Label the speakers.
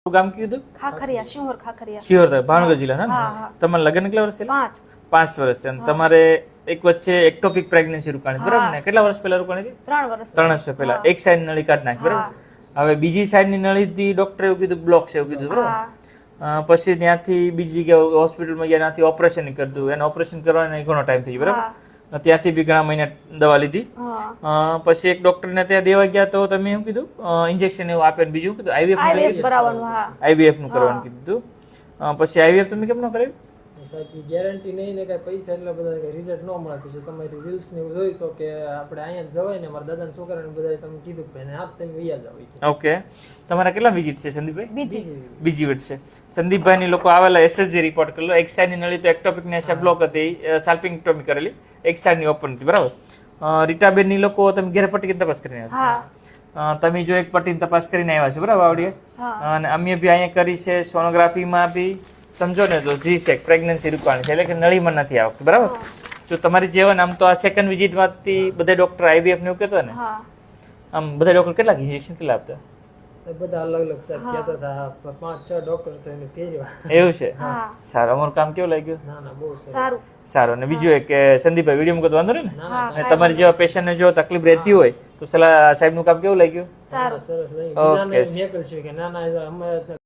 Speaker 1: ગામ કીધું
Speaker 2: ખાખરિયા શિહોર ખાખરિયા
Speaker 1: શિહોર ભાવનગર જિલ્લા
Speaker 2: હા,
Speaker 1: ને
Speaker 2: હા.
Speaker 1: તમારે લગ્ન કેટલા વર્ષ થયેલા
Speaker 2: 5
Speaker 1: 5 વર્ષ થયા અને તમારે એક વચ્ચે એક્ટોપિક પ્રેગ્નન્સી રોકાણી બરાબર ને કેટલા વર્ષ પહેલા રોકાણી હતી
Speaker 2: 3 વર્ષ
Speaker 1: 3 વર્ષ પહેલા એક સાઈડ નળી કાઢ નાખી બરાબર હવે બીજી સાઈડ ની નળી થી ડોક્ટરે એવું કીધું બ્લોક છે એવું કીધું બરાબર પછી ત્યાંથી બીજી જગ્યાએ હોસ્પિટલમાં ગયા ત્યાંથી ઓપરેશન કર્યું એને ઓપરેશન કરવાનો ઘણો ટાઈમ થઈ ગયો બરાબર ત્યાંથી બી ઘણા મહિના દવા લીધી પછી એક ડોક્ટરને ત્યાં દેવા ગયા તો તમે શું કીધું ઇન્જેક્શન એવું આપે બીજું કીધું
Speaker 2: આઈવીએફ કરાવવાનું હા
Speaker 1: આઈવીએફ નું કરવાનું કીધું પછી આઈવીએફ તમે કેમ ન કરાવ્યું
Speaker 3: સાહેબ ગેરંટી નહીં ને કઈ પૈસા એટલા બધા કઈ રિઝલ્ટ ન મળે પછી તમારી રીલ્સ ને એવું જોઈ તો કે આપણે અહીંયા જવાય ને મારા દાદાના છોકરાને બધા તમે કીધું કે ભાઈ આપ તમે વૈયા જાવ
Speaker 1: ઓકે તમારા કેટલા વિઝિટ છે સંદીપભાઈ
Speaker 2: બીજી
Speaker 1: બીજી વિઝિટ છે સંદીપભાઈ ની લોકો આવેલા એસએસજી રિપોર્ટ કરેલો એક સાઈડ ની નળી તો એક્ટોપિક ને બ્લોક હતી સાલ્પિંગેક્ટોમી કરેલી એક સાઈડ ની ઓપન હતી બરાબર રીટાબેન ની લોકો તમે ઘેર પટ્ટી તપાસ કરીને આવ્યા તમે જો એક પટ્ટીની તપાસ કરીને આવ્યા છો બરાબર આવડીએ અને અમે બી અહીંયા કરી છે સોનોગ્રાફીમાં બી સમજો ને તો જી સેક પ્રેગ્નન્સી રૂપાણી છે એટલે કે નળીમાં નથી આવતું બરાબર જો તમારી જેવન આમ તો આ સેકન્ડ વિઝિટમાંથી બધા ડોક્ટર આઈવીએફ ને એવું કહેતા ને આમ બધા ડોક્ટર કેટલા ઇન્જેક્શન કેટલા આપતા
Speaker 3: બધા અલગ અલગ સાહેબ કહેતા હતા 5-6 ડોક્ટર તો એને ફેરવા
Speaker 1: એવું છે સારું અમારું કામ કેવું લાગ્યું
Speaker 3: ના ના બહુ
Speaker 2: સારું
Speaker 1: સારું અને બીજું એક કે સંદીપભાઈ વિડીયો મૂકતો વાંધો ને તમારી જેવા પેશન્ટને જો તકલીફ રહેતી હોય તો સલાહ સાહેબનું કામ કેવું લાગ્યું
Speaker 2: સારું
Speaker 3: સરસ નહીં બીજાને મેકલ છે કે ના ના અમે